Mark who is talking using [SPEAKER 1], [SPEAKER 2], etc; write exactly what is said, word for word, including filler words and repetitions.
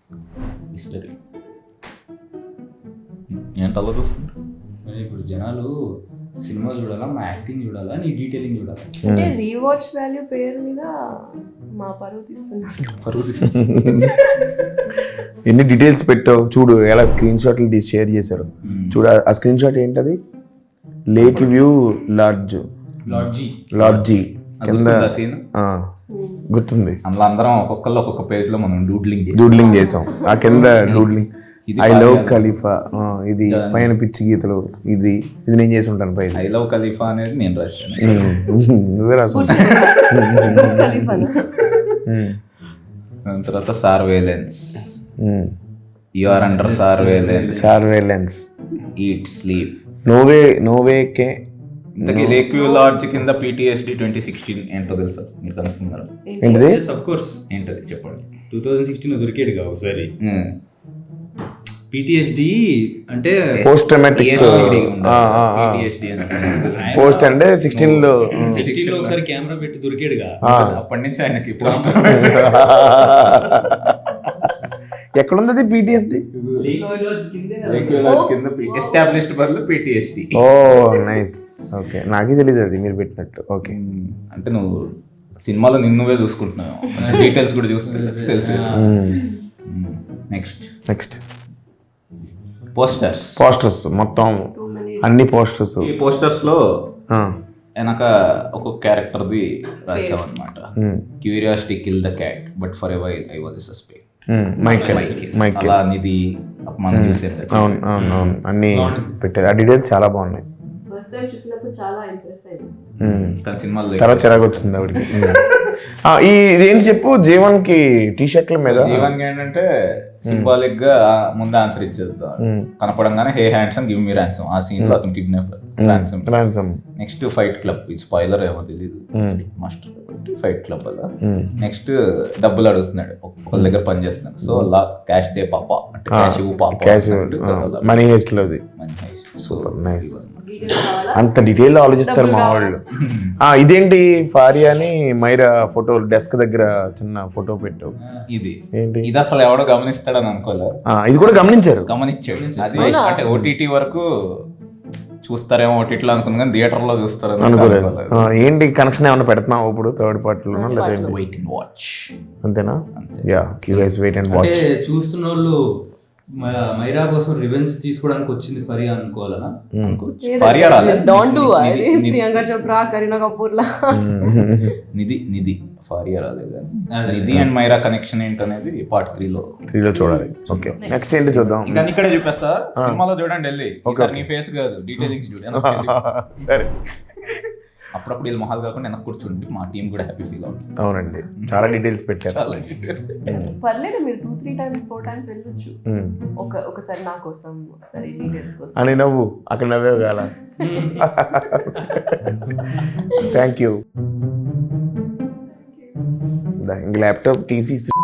[SPEAKER 1] History ఏంటి అలా చూస్తున్నారు?
[SPEAKER 2] ఇప్పుడు జనాలు సినిమా చూడాలా, మా యాక్టింగ్ చూడాలా, నీ డీటెయిలింగ్ చూడాలా?
[SPEAKER 3] అంటే రీవాచ్ వాల్యూ పేరు మీద మా పరువు తీస్తున్నారు.
[SPEAKER 1] పరువు తీస్తున్నారు.
[SPEAKER 4] ఎన్ని డీటెయిల్స్ పెట్టావు చూడు, ఎలా స్క్రీన్ షాట్లు తీసి షేర్ చేశారు చూడు. ఆ స్క్రీన్ షాట్ ఏంటది? Lake view lodge
[SPEAKER 2] lodge
[SPEAKER 4] lodge కింద
[SPEAKER 1] సీన్
[SPEAKER 4] ఆ, గుర్తుంది.
[SPEAKER 1] అందులో అందరం ఒక్కొక్కళ్ళు ఒక్కొక్క పేజ్ లో మనం డూడ్లింగ్
[SPEAKER 4] డూడ్లింగ్ చేసాం. ఆ కింద డూడ్లింగ్ ఐ లవ్ ఖలీఫా, ఇది పైన పిచ్చి గీతలు, ఇది ఇది నేను చేసి ఉంటాను పైన.
[SPEAKER 1] ఐ లవ్ ఖలీఫా అనేది నేను రాశాను.
[SPEAKER 4] నువ్వే రాసు.
[SPEAKER 3] బుర్జ్ ఖలీఫానా?
[SPEAKER 1] దాని తర్వాత surveillance, you are under surveillance,
[SPEAKER 4] surveillance,
[SPEAKER 1] eat sleep.
[SPEAKER 4] No way no way కే
[SPEAKER 1] ఇంతకీ లేక్ వ్యూ లాడ్జ్ కింద పీటీఎస్డి ట్వంటీ సిక్స్టీన్ ఏంటో తెలుసా? మీరు కనుక్కున్నారు
[SPEAKER 4] ఏంటిది?
[SPEAKER 2] అఫ్ కోర్స్
[SPEAKER 1] ఏంటది చెప్పండి.
[SPEAKER 2] టూ థౌజండ్ సిక్స్టీన్ దొరికాడుగా ఒకసారి. పిటిఎస్డి అంటే
[SPEAKER 4] పోస్ట్ ట్రామాటిక్ పోస్ట్ అంటే సిక్స్టీన్ లో
[SPEAKER 2] సిక్స్టీన్ లో ఒకసారి కెమెరా పెట్టి దొరికాడుగా.
[SPEAKER 1] అప్పటి నుంచి ఆయనకి పోస్ట్
[SPEAKER 4] ఎక్కడుంది పీటీఎస్డి?
[SPEAKER 1] కింద ఎస్టాబ్లిష్డ్ బదులు పీటీఎస్డి.
[SPEAKER 4] ఓ నైస్, ఓకే. నాకే తెలియదు అది మీరు పెట్టినట్టు. ఓకే,
[SPEAKER 1] అంటే నువ్వు సినిమాలో నిన్నువే చూసుకుంటున్నావు, డీటెయిల్స్ కూడా చూస్తే తెలుసు. Next
[SPEAKER 4] next
[SPEAKER 1] posters.
[SPEAKER 4] పోస్టర్స్ మొత్తం అన్ని పోస్టర్స్.
[SPEAKER 1] ఈ పోస్టర్స్ లో వెనక ఒక్కొక్క క్యారెక్టర్ది రాసావు అనమాట. Curiosity kill the cat but forever I was వాజ్ సస్పెక్ట్.
[SPEAKER 4] మైకేల్ మైకేల్
[SPEAKER 1] అలా నిధి మనం చూసాం కదా.
[SPEAKER 4] అవును అవును అవును అన్ని పెట్టారు. ఆ డీటెయిల్స్ చాలా బాగున్నాయి.
[SPEAKER 3] ఫస్ట్ టైం చూసినప్పుడు చాలా ఇంప్రెస్ అయ్యింది.
[SPEAKER 1] కానీ సినిమాలో
[SPEAKER 4] తర్వాత చిరాకు వచ్చింది ఆవిడకి. ఆ, ఈ ఇదేంటి చెప్పు, జీవన్ కి టీ షర్ట్ల మీద
[SPEAKER 1] జీవన్ ఏంటంటే సింబాలిక్ గా ముందు ఆన్సర్ ఇచ్చేద్దాం. కనపడంగానే hey handsome give me ransom, ఆ సీన్ లో అతను kidnap ransom.
[SPEAKER 4] Ransom.
[SPEAKER 1] Next fight club, ఇది స్పాయిలర్ ఏమో తెలియదు, మాస్టర్ ఫైట్ క్లబ్ అలా. నెక్స్ట్ డబ్బులు అడుగుతున్నాడు, ఒకళ్ళ దగ్గర పని చేస్తున్నాడు. సో అలా క్యాష్ డే పాప అంటే క్యాష్ ఇవ్వు పాప,
[SPEAKER 4] క్యాష్ మనీ హెస్ట్ లోది. Super nice. అంత డీటెయిల్ ఆలోచిస్తారు మా వాళ్ళు. ఆ ఇదేంటి ఫారియా అని మైరా ఫోటో డెస్క్ దగ్గర చిన్న ఫోటో పెట్టావు.
[SPEAKER 1] ఇది
[SPEAKER 4] ఏంటి
[SPEAKER 1] ఇది అసలు ఎవడో గమనిస్తాడని అనుకోలే.
[SPEAKER 4] ఇది కూడా గమనించారు.
[SPEAKER 1] గమనించాడు. అది అంటే ఓటీటీ వరకు చూస్తారేమో ఓటీటీలో అనుకున్నా కానీ థియేటర్ లో చూస్తారు
[SPEAKER 4] అనుకోలేదు. ఏంటి కనెక్షన్ ఏమన్నా పెడుతున్నావు ఇప్పుడు థర్డ్ పార్టీలో?
[SPEAKER 1] వెయిట్ అండ్ వాచ్
[SPEAKER 4] అంతేనా? Yeah you guys wait and watch.
[SPEAKER 2] అంటే చూస్తున్న వాళ్ళు మైరా కోసం రివెంజ్ తీసుకోవడానికి వచ్చింది ఫరియా అనుకోవాలనా?
[SPEAKER 3] డోంట్ డు అది ప్రియాంక చోప్రా, కరీనా కపూర్ లా.
[SPEAKER 1] నిధి నిధి ఫారియా రాలేదు. నిధి అండ్ మైరా కనెక్షన్ ఏంటనేది పార్ట్ త్రీ లో
[SPEAKER 4] త్రీ లో చూడాలి. ఓకే నెక్స్ట్ ఏంటి చూద్దాం.
[SPEAKER 1] ఇంకా ఇక్కడే చూపిస్తా, సినిమాలో చూడండి వెళ్ళి. ఒకసారి నీ ఫేస్ కాదు డీటెయిలింగ్స్ చూడండి.
[SPEAKER 4] సరే,
[SPEAKER 1] అప్పుడప్పుడు వీళ్ళు మొహాలు కాకుండా వెనక్కి కూర్చోండి, మా టీం కూడా హ్యాపీ ఫీల్ అవుతుంది.
[SPEAKER 4] అవునండి, చాలా డీటెయిల్స్ పెట్టారు.
[SPEAKER 1] చాలా డీటెయిల్స్.
[SPEAKER 3] పర్లేదు, మీరు two three times four times వెళ్ళొచ్చు. ఒక ఒకసారి నా కోసం, ఒకసారి డీటెయిల్స్ కోసం
[SPEAKER 4] అని నవ్వు అక్కడ నవ్వే కాల. Thank you. ఇంక ల్యాప్టాప్ తీసి